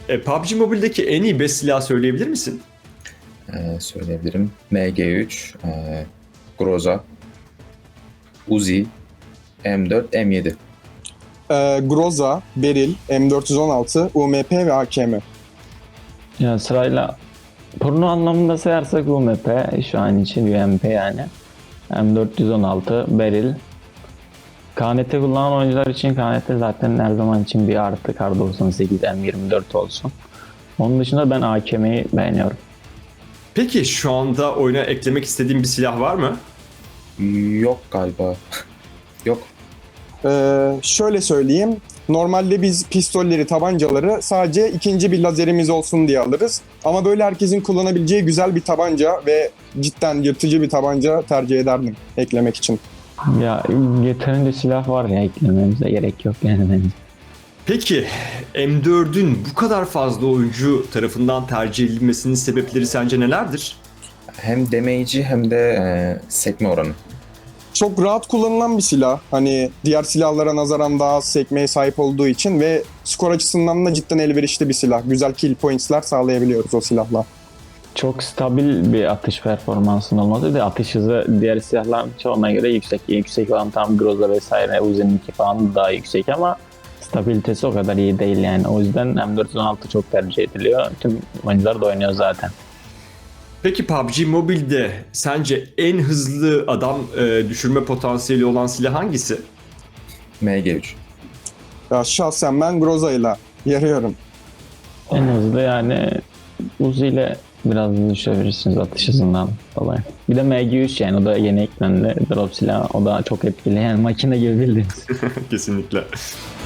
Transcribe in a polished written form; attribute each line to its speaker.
Speaker 1: PUBG Mobile'deki en iyi 5 silah söyleyebilir misin?
Speaker 2: Söyleyebilirim. MG3, Groza, Uzi, M4, M7.
Speaker 3: Groza, Beril, M416, UMP ve AKM.
Speaker 4: Ya sırayla porno anlamında sayarsak UMP şu an için UMP yani. M416, Beril. KNT kullanan oyuncular için KNT zaten her zaman için bir artı. Kar 98, M24 olsun. Onun dışında ben AKM'yi beğeniyorum.
Speaker 1: Peki şu anda oyuna eklemek istediğin bir silah var mı?
Speaker 2: Yok galiba. Yok.
Speaker 3: Şöyle söyleyeyim. Normalde biz pistolleri, tabancaları sadece ikinci bir lazerimiz olsun diye alırız. Ama böyle herkesin kullanabileceği güzel bir tabanca ve cidden yırtıcı bir tabanca tercih ederdim eklemek için.
Speaker 4: Ya yeterince silah var ya, eklememize gerek yok yani bence.
Speaker 1: Peki M4'ün bu kadar fazla oyuncu tarafından tercih edilmesinin sebepleri sence nelerdir?
Speaker 2: Hem damage'i hem de sekme oranı.
Speaker 3: Çok rahat kullanılan bir silah. Hani diğer silahlara nazaran daha az sekmeye sahip olduğu için ve skor açısından da cidden elverişli bir silah. Güzel kill points'ler sağlayabiliyoruz o silahla.
Speaker 4: Çok stabil bir atış performansının olması ve atış hızı diğer silahların çoğuna göre yüksek. Yüksek olan tam Groza vesaire, Uzi'ninki falan daha yüksek ama stabilitesi o kadar iyi değil yani. O yüzden M416 çok tercih ediliyor. Tüm oyuncular da oynuyor zaten.
Speaker 1: Peki PUBG Mobile'de sence en hızlı adam düşürme potansiyeli olan silah hangisi?
Speaker 2: MG3.
Speaker 3: Ya şahsen ben Groza'yla yarıyorum.
Speaker 4: En hızlı yani Uzi ile biraz düşebilirsiniz atış hızından dolayı. Bir de MG3 yani, o da yeni eklendi drop silahı. O da çok etkili yani, makine gibi bildiğiniz.
Speaker 1: Kesinlikle.